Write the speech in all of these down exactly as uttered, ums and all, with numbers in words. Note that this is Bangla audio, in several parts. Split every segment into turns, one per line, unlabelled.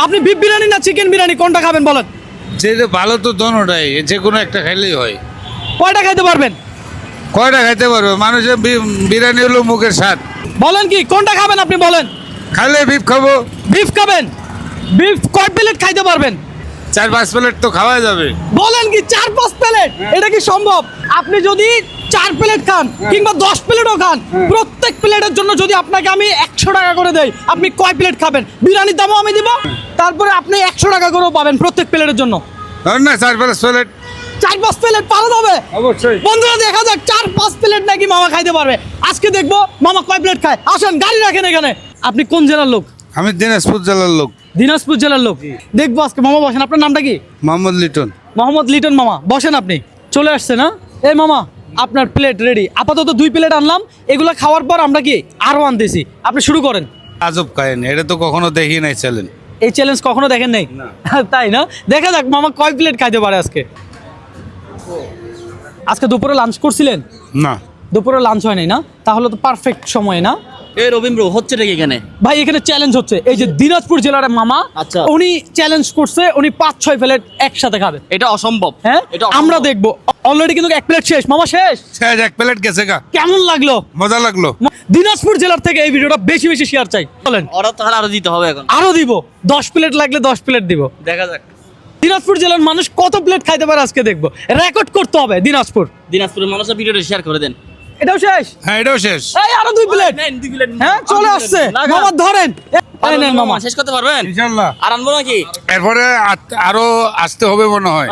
আপনি বিফ বিরিয়ানি না চিকেন বিরিয়ানি কোনটা খাবেন বলেন?
যেটা ভালো তো দোনোটাই, যে কোনো একটা খাইলেই হয়।
কয়টা খাইতে পারবেন?
কয়টা খাইতে পারবে? মানুষের বি- বিরিয়ানি হলো মুখের স্বাদ।
বলেন কি কোনটা খাবেন আপনি বলেন?
খাইলে বিফ খাবো।
বিফ খাবেন? বিফ কয় প্লেট খাইতে পারবেন?
চার পাঁচ প্লেট তো খাওয়া যাবে।
বলেন কি চার পাঁচ প্লেট? এটা কি সম্ভব? আপনি যদি চার প্লেট খান কিংবা দশ প্লেটও খান, প্রত্যেক প্লেটের জন্য যদি আপনাকে আমি একশো টাকা করে দেই, আপনি কয় প্লেট খাবেন? বিরিয়ানির দামও আমি দিব, তারপরে আপনি একশো টাকা করেও পাবেন প্রত্যেক প্লেটের জন্য।
ধরেন না চার পাঁচ প্লেট।
চার পাঁচ প্লেট পাওয়া যাবে
অবশ্যই।
বন্ধুরা, দেখা যাক চার পাঁচ প্লেট নাকি মামা খাইতে পারবে। আজকে দেখবো মামা কয় প্লেট খায়। আসেন, গাড়ি রাখেন এখানে। আপনি কোন জেলার লোক?
আমি দিনাজপুর জেলার লোক।
দিনাজপুর জেলার লোক। দেখবো আজকে। মামা বসেন, আপনার নামটা কি?
মোহাম্মদ লিটন।
মোহাম্মদ লিটন। মামা বসেন, আপনি চলে আসছেন না? এই মামা, আপনার প্লেট রেডি। আপাতত দুই প্লেট আনলাম, এগুলো খাওয়ার পর আমরা কি আরও আনতেছি। আপনি শুরু করেন।
আজব কাহিনী, এটা তো কখনো দেখি নাই চ্যালেঞ্জ।
এই চ্যালেঞ্জ কখনো দেখেন নাই? তাই না? দেখা যাক মামা কয় প্লেট খাইতে পারে আজকে। আজকে দুপুরে লাঞ্চ করছিলেন?
না,
দুপুরে লাঞ্চ হয় নাই না? তাহলে তো পারফেক্ট সময় না?
এই রবীন্দ্র হচ্ছে নাকি এখানে?
ভাই এখানে চ্যালেঞ্জ হচ্ছে। এই যে দিনাজপুর জেলার মামা,
আচ্ছা।
উনি চ্যালেঞ্জ করছে, উনি পাঁচ ছয় প্লেট একসাথে খাবে।
এটা অসম্ভব।
হ্যাঁ,
এটা অসম্ভব।
আমরা দেখবো। অলরেডি কিন্তু এক প্লেট শেষ। মামা শেষ।
শেষ, এক প্লেট গেছে গা।
কেমন লাগলো?
মজা লাগলো।
দিনাজপুর জেলার থেকে এই ভিডিওটা বেশি বেশি শেয়ার চাই। বলেন।
ওরা তাহলে আরো দিতে হবে এখন।
আরো দিব, দশ প্লেট লাগলে দশ প্লেট দিব।
দেখা যাক
দিনাজপুর জেলার মানুষ কত প্লেট খাইতে পারে আজকে দেখবো। রেকর্ড করতে হবে দিনাজপুর।
দিনাজপুরের মানুষের ভিডিওটা শেয়ার করে দেন।
এটাও শেষ।
হ্যাঁ, এটাও শেষ।
এই আরো দুই প্লেট।
নেন, দুই প্লেট।
হ্যাঁ, চলে আসছে। মামা ধরেন। এই নেন মামা।
শেষ করতে পারবেন?
ইনশাল্লাহ।
আর আনবো নাকি?
এরপরে আত- আরো আসতে হবে মনে হয়।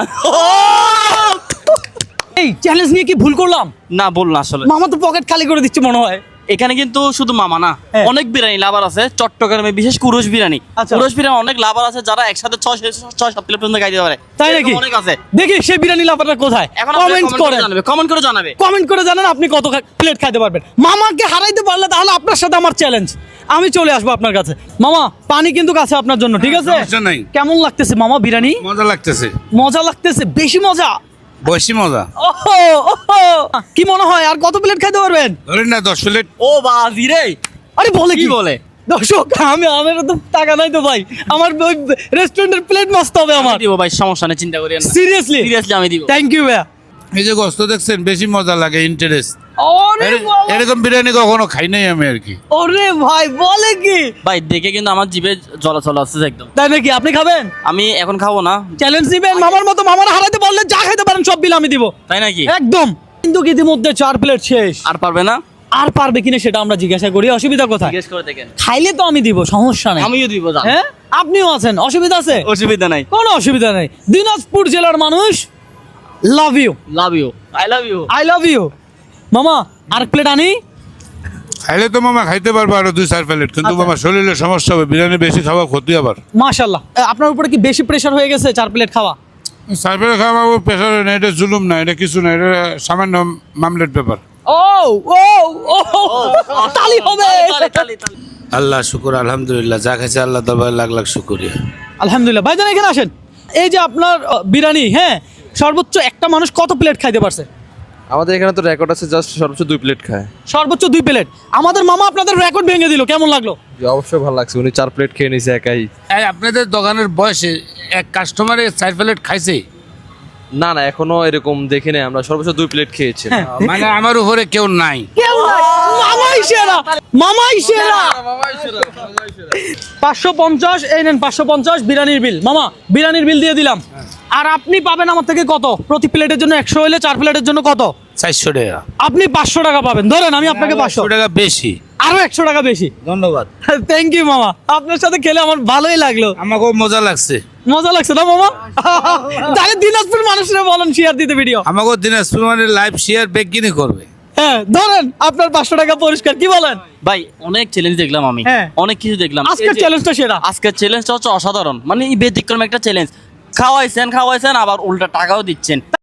এই চ্যালেঞ্জ নিয়ে কি ভুল করলাম?
না, বল না আসলে।
মামা তো পকেট খালি করে দিচ্ছে মনে হয়।
এখানে কিন্তু শুধু মামা না,
হ্যাঁ।
অনেক বিরিয়ানি লাভার আছে চট্টগ্রামে, বিশেষ কুরুশ বিরিয়ানি।
আচ্ছা।
কুরুশ বিরিয়ানি অনেক লাভার আছে যারা একসাথে ছয় ছয় সাত প্লেট পর্যন্ত খাইতে পারে।
তাই নাকি?
এরকম অনেক আছে।
দেখি সেই বিরিয়ানি লাভারটা কোথায়।
এখন
কমেন্ট করেন।
জানাবে, কমেন্ট করে জানাবে।
কমেন্ট করে জানান আপনি কত প্লেট খাইতে পারবেন। মামাকে হারাইতে পারলে তাহলে আপনার সাথে আমার চ্যালেঞ্জ। আমি চলে আসবো আপনার কাছে। মামা পানি কিন্তু কাছে আপনার জন্য, ঠিক আছে?
সমস্যা নাই।
কেমন লাগতেছে মামা বিরিয়ানি?
মজা লাগতেছে,
মজা লাগতেছে, বেশি মজা।
বেশি মজা।
ওহো ওহো, কি মনে হয় আর কত প্লেট খাইতে পারবেন?
ধরেন না দশ প্লেট।
ও বাজি রে,
আরে বলে
কি
কি
বলে?
দর্শক, আমি আমার তো টাকা নাই তো ভাই, আমার ওই রেস্টুরেন্টের প্লেট মাস্ত হবে আমার।
দিব ভাই, সমস্যা নেই, চিন্তা করিয়েন না।
সিরিয়াসলি
সিরিয়াসলি আমি দিব।
থ্যাংক ইউ ভাইয়া।
এই যে গোস্ত দেখছেন, বেশি মজা লাগে, ইন্টারেস্ট।
ওরে বাবা,
এরকম বিরিয়ানি কখনো খাই নাই আমি আর কি।
ওরে ভাই বলে কি?
ভাই দেখে কিন্তু আমার জিভে জলাচল আসছে একদম।
তাই নাকি? আপনি খাবেন?
আমি এখন খাবো না।
চ্যালেঞ্জ দিবেন মামার মতো? মামার হারাতে পারলে যা খাইতে পারেন সব বিল আমি দিব।
তাই নাকি?
একদম। কিন্তু ইতিমধ্যে চার প্লেট শেষ।
আর পারবে না?
আর পারবে কিনা সেটা আমরা জিজ্ঞাসা করি। অসুবিধা কোথায়?
জিজ্ঞেস করে দেখেন।
খাইলে তো আমি দিব, সমস্যা নেই।
আমিও দিব, জান।
হ্যাঁ, আপনিও আছেন, অসুবিধা আছে?
অসুবিধা নাই।
কোনো অসুবিধা নেই। দিনাজপুর জেলার মানুষ love you,
love you, I love you.
I love you. মামা আর প্লেট আনি?
খাইলে তো মামা খাইতে পারবো আরো দুই চার প্লেট, কিন্তু
আচ্ছা।
মামা শরীরে সমস্যা হবে, বিরিয়ানি বেশি খাওয়া ক্ষতি আবার।
মাশাআল্লাহ। আপনার উপরে কি বেশি প্রেশার হয়ে গেছে চার প্লেট খাওয়া?
চার প্লেট খাওয়া প্রেশার না, এটা জুলুম না, এটা কিছু না, এটা সামান্য মামলেট ব্যাপার।
ও ও ও তালি হবে।
তালি, তালি, তালি।
আল্লাহ শুকুর, আলহামদুলিল্লাহ, যা খাইছে আল্লাহ দরবারে লাখ লাখ শুকরিয়া।
আলহামদুলিল্লাহ। ভাইজান এখানে আসেন। এই যে আপনার আহ, বিরিয়ানি, হ্যাঁ, সর্বোচ্চ একটা মানুষ কত প্লেট খাইতে পারছে?
আমাদের এখানে তো রেকর্ড আছে জাস্ট সর্বোচ্চ দুই প্লেট খায়।
সর্বোচ্চ দুই প্লেট। আমাদের মামা আপনাদের রেকর্ড ভেঙে দিল, কেমন লাগলো?
জি, অবশ্যই ভালো লাগছে, উনি চার প্লেট খেয়ে নিয়েছে একাই।
এই আপনাদের দোকানের বয়সে এক কাস্টমারে চার প্লেট খাইছে?
না না, এখনো এরকম দেখি নাই, আমরা সর্বোচ্চ দুই প্লেট খেয়েছি।
মানে আমার উপরে কেউ নাই।
কেউ নাই। মামাই সেরা, মামাই সেরা। পাঁচশো পঞ্চাশ, এই নেন পাঁচশো পঞ্চাশ বিরিয়ানির বিল। মামা বিরিয়ানির বিল দিয়ে দিলাম। আর আপনি পাবেন আমার থেকে কত? প্রতি প্লেটের জন্য একশো হলে চার প্লেটের জন্য কত?
চারশো টাকা।
আপনি পাঁচশো টাকা পাবেন। ধরেন আমি আপনাকে পাঁচশো
টাকা বেশি।
আরো একশো টাকা বেশি।
ধন্যবাদ।
থ্যাংক ইউ মামা, আপনার সাথে খেলে আমার ভালোই লাগলো।
আমাকেও মজা লাগছে।
মজা লাগছে না মামা? তাহলে দিনাজপুর মানুষরা বলেন শেয়ার দিতে ভিডিও।
আমাকেও দিনাজপুর মানে লাইভ শেয়ার বেগিনি করবে।
হ্যাঁ ধরেন আপনার পাঁচশো টাকা পরিষ্কার, কি বলেন?
ভাই অনেক চ্যালেঞ্জ দেখলাম আমি,
হ্যাঁ।
অনেক কিছু দেখলাম।
আজকের
এই যে-
চ্যালেঞ্জটা সেরা।
আজকের চ্যালেঞ্জটা হচ্ছে অসাধারণ, মানে এই ব্যতিক্রম একটা চ্যালেঞ্জ। খাওয়াইছেন খাওয়াইছেন আবার উল্টা টাকাও দিচ্ছেন।